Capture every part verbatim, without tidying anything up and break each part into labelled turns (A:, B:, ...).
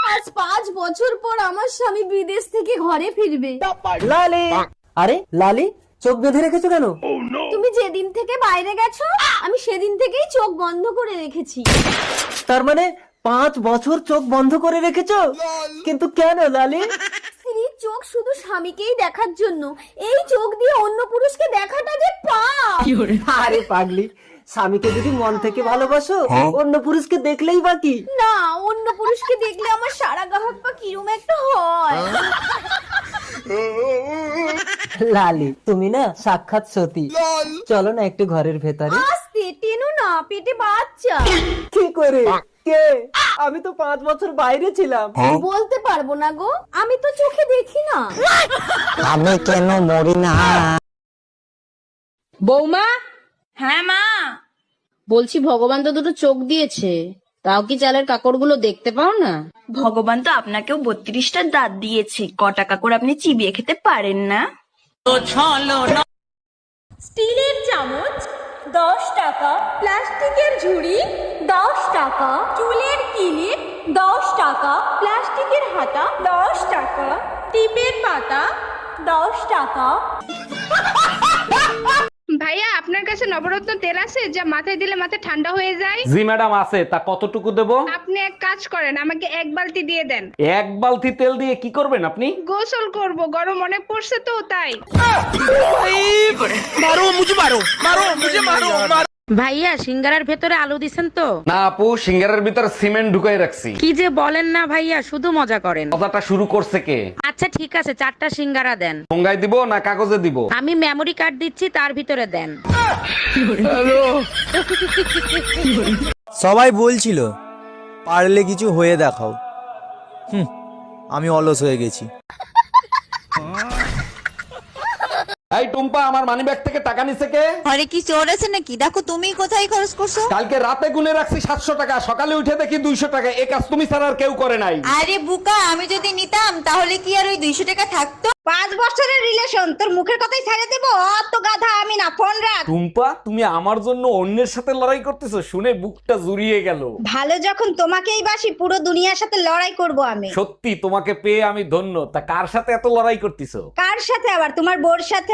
A: আজ পাঁচ বছর পর আমার স্বামী বিদেশ থেকে ঘরে ফিরবে।
B: লালি, আরে লালি চোখ বেঁধে রেখেছো কেন?
A: তুমি যেদিন থেকে বাইরে গেছো আমি সেদিন থেকেই চোখ বন্ধ করে রেখেছি।
B: তার মানে পাঁচ বছর চোখ বন্ধ করে রেখেছো? কিন্তু কেন লালি?
A: স্ত্রীর চোখ শুধু স্বামীকেই দেখার জন্য, এই চোখ দিয়ে অন্য পুরুষকে দেখাটা যে পাপ।
B: আরে পাগলি, স্বামীকে যদি মন থেকে ভালোবাসো অন্য পুরুষকে দেখলেই বাকি।
A: না, অন্য পুরুষকে দেখলে আমার সারা গাহক পা কিরম একটা হয়।
B: লালি তুমি না সাক্ষাৎ সতী। চলো না একটু ঘরের ভেতরে।
A: আস্তে টেনো না, পেটে বাচ্চা।
B: কি করে? কে? আমি তো পাঁচ বছর বাইরে ছিলাম।
A: বলতে পারবো না গো, আমি তো চোখে দেখি না।
B: আমি কেন মরি না?
C: বৌমা,
D: হ্যাঁ মা,
C: বলছি ভগবান তো দুটো চোখ দিয়েছে, তাও কি চালের কাকড়গুলো দেখতে পাও না?
D: ভগবান তো আপনাকেও বত্রিশটা দাঁত দিয়েছে, ক টাকা করে আপনি চিবিয়ে খেতে পারেন না?
A: স্টিলের চামচ দশ টাকা, প্লাস্টিকের ঝুড়ি দশ টাকা, চুলের কিলিপ দশ টাকা, প্লাস্টিকের হাতা দশ টাকা, টিপের পাতা দশ টাকা।
E: ভাইয়া আপনার কাছে নবরত্ন তেল আছে যা মাথায় দিলে মাথা ঠান্ডা হয়ে যায়?
F: জি ম্যাডাম আছে। তা কতটুকু দেব?
E: আপনি এক কাজ করেন, আমাকে এক বালতি দিয়ে দেন।
F: এক বালতি তেল দিয়ে কি করবেন আপনি?
E: গোসল করব, গরম অনেক পড়ছে তো তাই।
C: ভাইয়া সিঙ্গারার ভেতরে আলু দিছেন তো?
F: না আপু, সিঙ্গারের ভিতরে সিমেন্ট ঢুকাই রাখছি।
C: কি যে বলেন না ভাইয়া, শুধু মজা করেন।
F: কথাটা শুরু করছে কে?
C: আচ্ছা ঠিক আছে, চারটা সিঙ্গারা দেন।
F: ঠোঙ্গায় দিব না কাগজে দিব?
C: আমি মেমরি কার্ড দিচ্ছি, তার ভিতরে দেন।
G: সবাই বলছিল পারলে কিছু হয়ে দেখাও। হুম, আমি অলস হয়ে গেছি।
F: এই টুম্পা, আমার মানিব্যাগ থেকে টাকা নিছে কে?
H: ঘরে কি চোর আছে নাকি? দেখো তুমি কোথায় খরচ করছো।
F: কালকে রাতে গুনে রাখছি সাতশো টাকা, সকালে উঠে দেখি দুইশো টাকা। এ কাজ তুমি ছাড়া আর কেউ করে নাই।
H: আরে বুকা, আমি যদি নিতাম তাহলে কি আর ওই দুইশো টাকা থাকতো? পাঁচ বছরের রিলেশন, তোর মুখের কথাই ছেড়ে দেবো? অত গাধা আমি না, ফোন রাখ।
F: টুম্পা, তুমি আমার জন্য অন্যের সাথে লড়াই করতেছো শুনে বুকটা জুড়িয়ে গেল।
H: ভালো যখন তোমাকেই বাসি, পুরো দুনিয়ার সাথে লড়াই করব আমি।
F: সত্যি তোমাকে পেয়ে আমি ধন্য। তা কার সাথে এত লড়াই করতেছো?
H: কার সাথে আবার? তোমার বোর সাথে।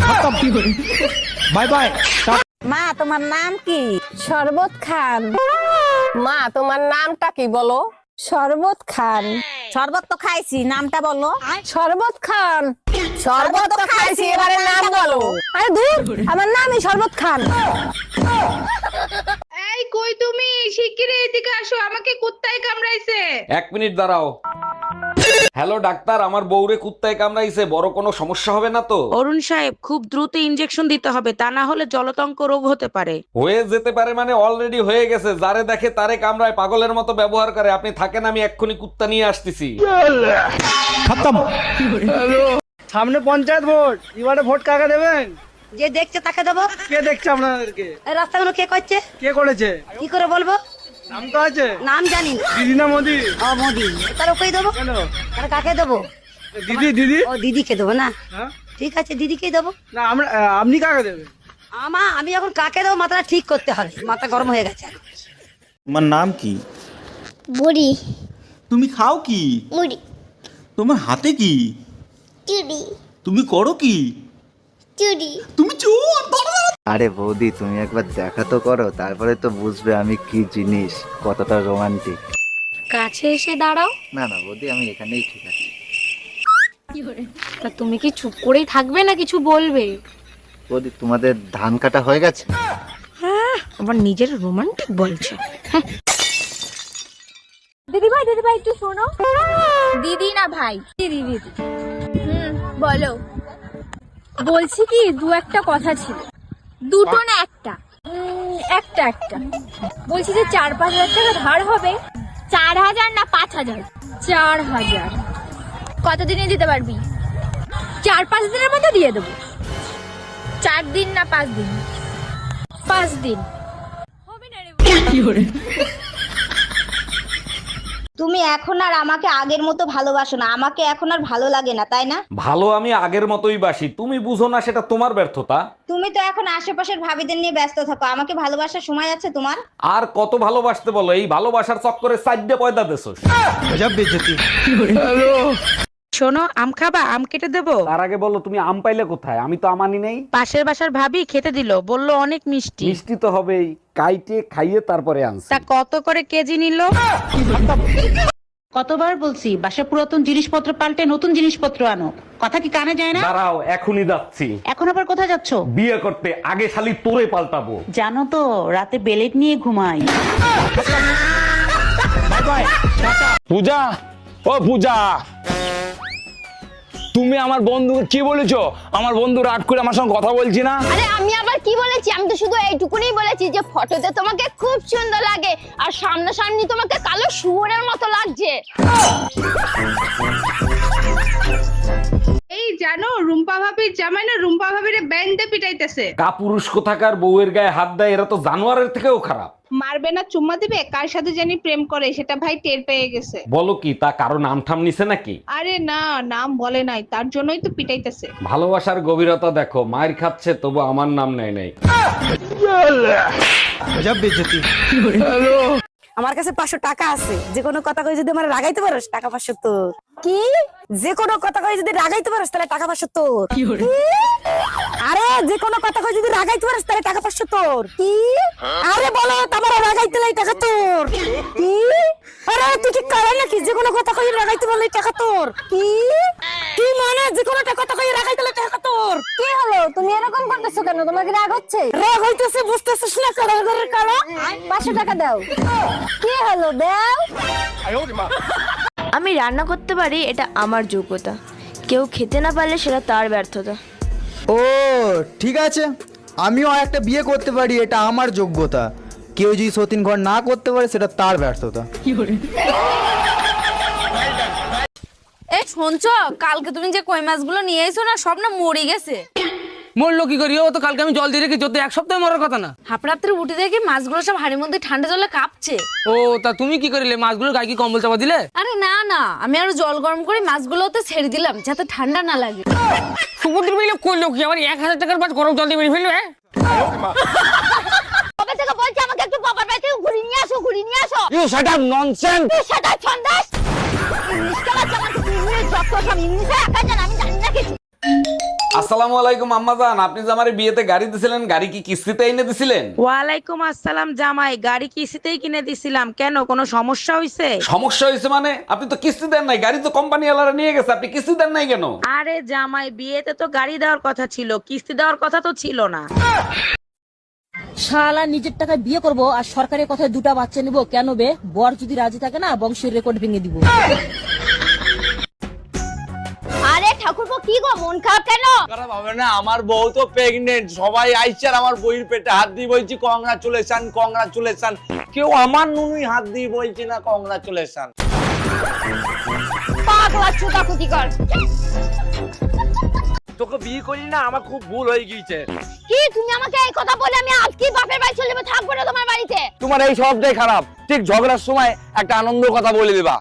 G: Bye bye.
H: মা তোমার নাম কি?
A: শরবত খান।
C: মা তোমার নামটা কি বলো?
A: শরবত খান।
H: শরবত তো খাইছি, নামটা বলো।
A: শরবত খান।
H: শরবত তো খাইছি, এবারে নাম বলো।
A: আরে দূর, আমার নামই শরবত খান।
E: এই কই তুমি? শিগগিরই এদিকে আসো, আমাকে কুত্তায় কামড়াইছে।
F: এক মিনিট দাঁড়াও। হ্যালো ডাক্তার, আমার বউরে কুত্তায় কামড়াইছে, বড় কোনো সমস্যা হবে না তো?
C: অরুণ সাহেব, খুব দ্রুত ইনজেকশন দিতে হবে, তা না হলে জলতঙ্ক রোগ হতে পারে।
F: হয়ে যেতে পারে মানে অলরেডি হয়ে গেছে। যারে দেখে তারে কামড়ায়, পাগলের মতো ব্যবহার করে। আপনি থাকেন, আমি এক্ষুনি কুত্তা নিয়ে আসতেছি।
B: সামনে পঞ্চায়েত ভোট, এবারে ভোট কাকে দেবেন?
H: যে দেখছে তাকে দেবো।
B: কে দেখছে আপনাদেরকে?
H: এই রাস্তাগুলো কে করছে?
B: কে করেছে?
H: কি করে বলবো?
B: নাম তো আছে।
H: নাম জানি না।
B: দিদি না মোদি?
H: ও মোদি। তার ওকেই দেবো।
B: কেন?
H: তার কাকে দেবো?
B: দিদি দিদি
H: ও দিদিকে দেবো না?
B: হ্যাঁ?
H: ঠিক আছে, দিদিকেই দেবো।
B: না আমরা আপনি কাকে দেবেন?
H: আমা আমি এখন কাকে দেবো মাথাটা ঠিক করতে হবে, মাথা গরম হয়ে গেছে।
G: তোমার নাম কি?
A: বুড়ি।
G: তুমি খাও কি?
A: মুড়ি।
G: তোমার হাতে কি?
A: চুড়ি।
G: তুমি করো কি?
A: চুড়ি।
G: তুমি চোর।
I: আরে বৌদি, তুমি একবার দেখা তো করো, তারপরে তো বুঝবে আমি কি জিনিস, কতটা রোমান্টিক।
C: কাছে এসে দাঁড়াও।
I: না না বৌদি, আমি এখানেই ঠিক আছে।
C: তা তুমি কি চুপ করেই থাকবে না কিছু বলবে?
I: বৌদি, তোমাদের ধান কাটা হয়ে গেছে?
C: হ্যাঁ, আবার নিজের রোমান্টিক বলছে।
A: দিদি ভাই, দিদি ভাই একটু শোনো। দিদি না ভাই, দিদি দিদি। হুম বলো। বলছি কি, দু একটা কথা ছিল। দুটো না একটা? উম, একটা একটা। বলছি যে চার পাঁচ হাজার টাকা ধার হবে। চার হাজার না পাঁচ হাজার? চার হাজার। কতদিনে দিতে পারবি? চার পাঁচ দিনের মধ্যে দিয়ে দেবো। চার দিন না পাঁচ দিন? পাঁচ দিন হবে না রে।
H: তুমি এখন আর আমাকে আগের মতো ভালোবাসো না, আমাকে এখন আর ভালো লাগে না, তাই না?
F: ভালো আমি আগের মতোই বাসি, তুমি বুঝো না সেটা তোমার ব্যর্থতা।
H: তুমি তো এখন আশেপাশের ভাবিদের নিয়ে ব্যস্ত থাকো, আমাকে ভালোবাসার সময় আছে তোমার?
F: আর কত ভালোবাসতে বলো, এই ভালোবাসার চক্করে সাইডে পয়দা দেছোস।
E: শোনো, আম খাবা? আম কেটে দেবো?
F: তার আগে বলো তুমি আম পাইলে কোথায়? আমি তো আমানি নেই।
E: পাশের বাসার ভাবি খেতে দিল, বললো অনেক মিষ্টি।
F: মিষ্টি তো হবেই, কাইটে খাইয়ে তারপরে আনছি।
E: তা কত করে কেজি নিল?
J: কতবার বলছি বাসা পুরাতন জিনিসপত্র পাল্টে নতুন জিনিসপত্র আনো, কথা কি কানে যায় না?
F: দাঁড়াও, এখনই যাচ্ছি।
J: এখন আবার কোথায় যাচ্ছ?
F: বিয়ে করতে, আগে শালি তোরে পাল্টাবো।
J: জানো তো রাতে বেলেট নিয়ে ঘুমাই।
K: পূজা, ও পূজা, তুমি আমার বন্ধুকে কি বলেছো? আমার বন্ধু রাগ করে আমার সঙ্গে কথা বলছি না।
A: আরে আমি আবার কি বলেছি? আমি তো শুধু এইটুকুনি বলেছি যে ফটোতে তোমাকে খুব সুন্দর লাগে আর সামনাসামনি তোমাকে কালো শুয়োরের মতো লাগছে।
E: এই জানো, রুম্পা ভাবির জামাই না রুম্পা ভাবিরে ব্যান্ডে পিটাইতেছে।
F: কাপুরুষ কোথাকার বউয়ের গায়ে হাত দেয়, এরা তো জানোয়ারের থেকেও খারাপ।
E: মারবে না চুম্মা দিবে, কার সাথে জানি প্রেম করে সেটা ভাই টের পেয়ে গেছে।
F: বলো কি, তা কারো নাম ঠাম নিছে নাকি?
E: আরে না, নাম বলে নাই, তার জন্যই তো পিটাইতেছে।
F: ভালোবাসার গভীরতা দেখো, মায়ের খাচ্ছে তবু আমার নাম নেয় নাই।
H: আমার কাছে পাঁচশো টাকা আছে, যে কোনো কথা কই যদি আমার রাগাইতে পারোস টাকা পাঁচশো তোর। কি? যে কোনো কথা কই যদি রাগাইতে পারোস তাহলে টাকা পাঁচশো তোর। আরে যে কোনো কথা কই যদি রাগাইতে পারোস তাহলে টাকা পাঁচশো তোর। কি? আরে বলো, তোমার রাগাইতে লাই টাকা তোর। কি? আরে তুই কি করে নাকি? যে কোনো কথা কই রাগাইতে বললে টাকা তোর। কি? কি মানে যে কোনো কথা কই রাগাইতে লাই টাকা তোর? কি হলো, তুমি এরকম করতেছো কেন? তোমার কি রাগ হচ্ছে? রাগ হইতেছে, বুঝতেছিস না? কালো ঘরের কালো। পাঁচশো টাকা দাও। কি হলো, দাও।
A: আমি রান্না করতে পারি, এটা আমার যোগ্যতা। কেউ খেতে না পারলে সেটা তার ব্যর্থতা।
G: ও ঠিক আছে, আমিও একটা বিয়ে করতে পারি, এটা আমার যোগ্যতা। কেউ যদি সতীন ঘর না করতে পারে সেটা তার ব্যর্থতা।
A: এই শুনছো, কালকে তুমি যে কই মাছগুলো নিয়ে এসো না, সব না মরে গেছে।
B: মরলো কি করি? ও তো কালকে আমি জল দিয়ে রেখেছি, তো এক সপ্তাহে মরার কথা না।
A: হাফরাত্রে উঠে দেখি মাছগুলো সব হাড়ির মধ্যে ঠান্ডা জলে কাঁপছে।
B: ও তা তুমি কি করিলে? মাছগুলো গায়ে কি কম্বল চাপা দিলে?
A: আরে না না, আমি আরো জল গরম করে মাছগুলোতে ছেড়ে দিলাম যাতে ঠান্ডা না লাগে।
B: সমুদ্র মিলে করলো কি? আমার এক হাজার টাকার মাছ গরম জল দিয়ে মেরে ফেলবে?
A: কবে থেকে বলছি আমাকে একটু বাবার বাড়ি থেকে ঘুরিয়ে নিয়ে আসো, ঘুরিয়ে নিয়ে আসো।
K: You shut up nonsense.
A: তুই সেটা ছন্দাস। ইংলিশ কালার জামাকে তুই ইংলিশ যত সব ইংলিশে একা জান, আমি জানি না কিছু।
F: আসসালামু আলাইকুম আম্মা জান, আপনি যে আমার বিয়েতে গাড়ি দিছিলেন, গাড়ি কি কিস্তিতে এনে দিছিলেন?
E: ওয়ালাইকুম আসসালাম জামাই, গাড়ি কিস্তিতেই কিনে দিছিলাম, কেন কোনো সমস্যা হইছে?
F: সমস্যা হয়েছে মানে? আপনি তো কিস্তি দেন নাই, গাড়ি তো কোম্পানি ওয়ালারা নিয়ে গেছে, আপনি কিস্তি দেন নাই কেন?
E: আরে জামাই, বিয়েতে তো গাড়ি দেওয়ার কথা ছিল, কিস্তি দেওয়ার কথা তো ছিল না।
J: শালা নিজের টাকায় বিয়ে করব আর সরকারের কথায় দুটা বাচ্চা নিব, কেন বে? বর যদি রাজি থাকে না, বংশের রেকর্ড ভেঙে দিব।
A: আরে ঠাকুরপো, কি গো মন খারাপ কেন?
K: খারাপ হবে না, আমার বউ তো প্রেগনেন্ট, সবাই আইছে আর আমার বউয়ের পেটে হাত দিয়ে বলছি কংগ্রাচুলেশন কংগ্রাচুলেশন। কেউ আমার নুনুই হাত দিয়ে বলছি না কংগ্রাচুলেশন।
A: পাগলা চুদা কুতি কর।
K: তোকে বিয়ে করি না, আমার খুব ভুল হয়ে গিয়েছে।
A: কি তুমি আমাকে এই কথা বলে আমি আজকে বাপের বাড়ি চলে যাবো, থাকবো না তোমার বাড়িতে?
K: তোমার এই সবটাই খারাপ। ঠিক ঝগড়ার সময় একটা আনন্দ কথা বলে দিবা।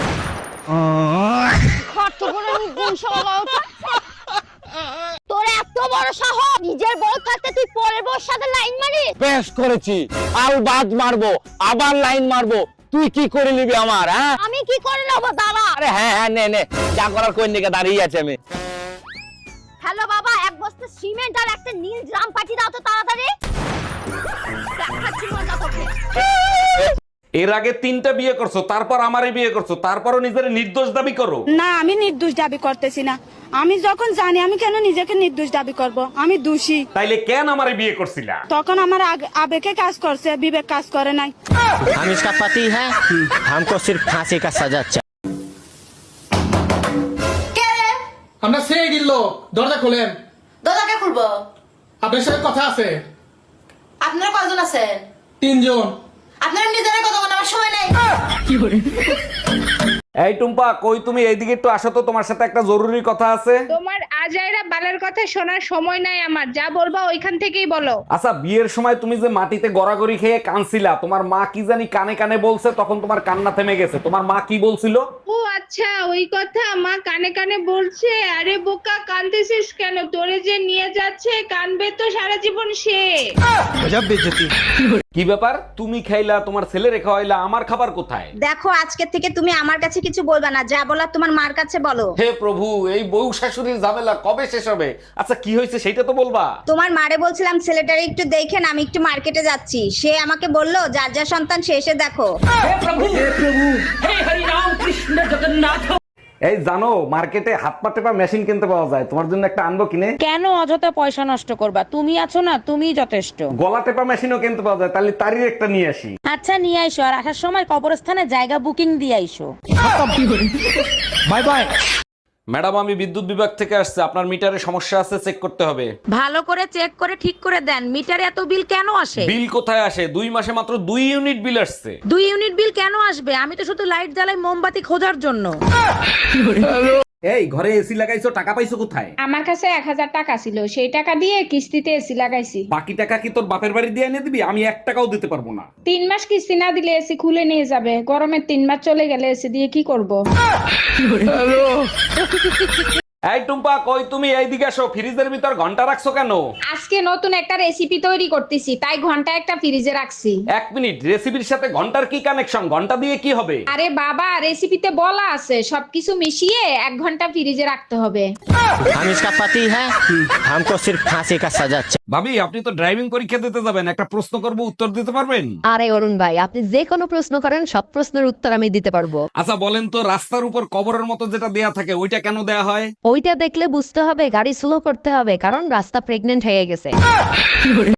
A: তোর এত বড় সাহস, নিজের বউ থাকতে তুই পরের বউর সাথে লাইন মারিস?
K: বেশ করেছি, আর বাদ মারবো, আবার লাইন মারবো। তুই কি করে নিবি আমার? হ্যাঁ
A: আমি কি করে নেবো? দাঁড়া।
K: আরে হ্যাঁ হ্যাঁ নে নে, যা করার কোন দিকে দাঁড়িয়ে আছে আমি।
A: হ্যালো বাবা, এক বস্তা সিমেন্ট আর একটা নীল ড্রাম পাঠিয়ে দাও তো তাড়াতাড়ি। দেখাচ্ছি মজা তোকে।
F: এর আগে তিনটা বিয়ে করছো, তারপর আমারে বিয়ে করছো, তারপরও নিজের নির্দোষ দাবি করো।
E: না, আমি নির্দোষ দাবি করতেছি না। আমি যখন জানি, আমি কেন নিজেকে নির্দোষ দাবি করব? আমি দোষী।
F: তাইলে কেন আমারে বিয়ে করছিলা?
E: তখন আমার আগ- আবেগে কাজ করছে, বিবেক কাজ করে নাই।
B: हम इसका पति है, हमको सिर्फ फांसी का सजा चाहिए।
L: আমরা সেই দিল, দরজা খোলেন।
H: দাদাকে খুলবো।
L: আপনার সাথে কথা আছে।
H: আপনারা কয়জন আছেন?
L: তিনজন।
H: আপনারা নিজেরা কথা বলার আমার সময় নাই।
F: এই টুম্পা, কই তুমি? এইদিকে একটু আসো তো, তোমার সাথে একটা জরুরি কথা আছে।
E: তোমার
A: বাজাইরা বালের কথা শোনার সময় নাই আমার, যা বলবা ওইখান থেকেই বলো।
F: আচ্ছা বিয়ের সময় তুমি যে মাটিতে গড়াগড়ি খেয়ে কানছিলা, তোমার মা কি জানি কানে কানে বলছে, তখন তোমার কান্না থেমে গেছে, তোমার মা কি বলছিল?
A: ও আচ্ছা ওই কথা মা কানে কানে বলছে। আরে বোকা কানতেছিস কেন, তোরে যে নিয়ে যাচ্ছে কানবে তো সারা জীবন সে।
F: কি ব্যাপার, তুমি খাইলা, তোমার ছেলে রেখা হইলা, আমার খাবার কোথায়?
H: দেখো আজকে থেকে তুমি আমার কাছে কিছু বলবা না, যা বলার তোমার মার কাছে বলো।
F: হে প্রভু, এই বউ শাশুড়ির ঝামেলা কবে শেষ হবে? আচ্ছা কি হয়েছে সেটা তো বলবা।
H: তোমার মারে বলছিলাম ছেলেটারে একটু দেখেন, আমি একটু মার্কেটে যাচ্ছি, সে আমাকে বললো যার যা সন্তান সে এসে দেখো।
F: এই জানো মার্কেটে হাত পা টেপা মেশিন কিনতে পাওয়া যায়, তোমার জন্য একটা আনবো কিনে?
J: কেন অযথা পয়সা নষ্ট করবা, তুমি আছো না, তুমিই যথেষ্ট।
F: গলা টেপা মেশিনও কিনতে পাওয়া যায়, তাহলে তারই একটা নিয়ে আসি।
J: আচ্ছা নিয়ে আইসো, আর আসার সময় কবরস্থানে জায়গা বুকিং দিয়ে আইসো।
L: Bye bye.
F: ম্যাডাম আমি বিদ্যুৎ বিভাগ থেকে আসছে, আপনার মিটারে সমস্যা আছে, চেক করতে হবে।
J: ভালো করে চেক করে ঠিক করে দেন, মিটারে এত বিল কেন আসে?
F: বিল কোথায় আসে, দুই মাসে মাত্র দুই ইউনিট বিল আসছে।
J: দুই ইউনিট বিল কেন আসবে? আমি তো শুধু লাইট জ্বালাই মোমবাতি খোঁজার জন্য।
F: এই ঘরে এসি লাগাইছো, টাকা পাইছো কোথায়?
A: আমার কাছে এক হাজার টাকা ছিল, সেই টাকা দিয়ে কিস্তিতে এসি লাগাইছি।
F: বাকি টাকা কি তোর বাপের বাড়ি দিয়ে এনে দিবি? আমি এক টাকাও দিতে পারবো না।
A: তিন মাস কিস্তি না দিলে এসি খুলে নিয়ে যাবে, গরমের তিন মাস চলে গেলে এসি দিয়ে কি করব?
F: এই টুম্পা কই তুমি, এইদিকে আসো, ফ্রিজের ভিতর ঘন্টা রাখছো কেন?
A: আজকে নতুন একটা রেসিপি তৈরি করতেছি, তাই ঘন্টা একটা ফ্রিজে রাখছি।
F: এক মিনিট, রেসিপির সাথে ঘন্টার কি কানেকশন? ঘন্টা দিয়ে কি হবে?
A: আরে বাবা রেসিপিতে বলা আছে সবকিছু মিশিয়ে এক ঘন্টা ফ্রিজে রাখতে হবে।
B: हम इसका पति है, हमको सिर्फ फांसी का सजा।
F: ভাবি আপনি তো ড্রাইভিং পরীক্ষা দিতে যাবেন, একটা প্রশ্ন করব, উত্তর দিতে পারবেন?
C: আরে অরুণ ভাই, আপনি যে কোনো প্রশ্ন করেন সব প্রশ্নের উত্তর আমি দিতে পারবো।
F: আচ্ছা বলেন তো, রাস্তার উপর কবরের মতো যেটা দেয়া থাকে ওইটা কেন দেয়া হয়?
C: ওইটা দেখলে বুঝতে হবে গাড়ি স্লো করতে হবে, কারণ রাস্তা প্রেগনেন্ট হয়ে গেছে।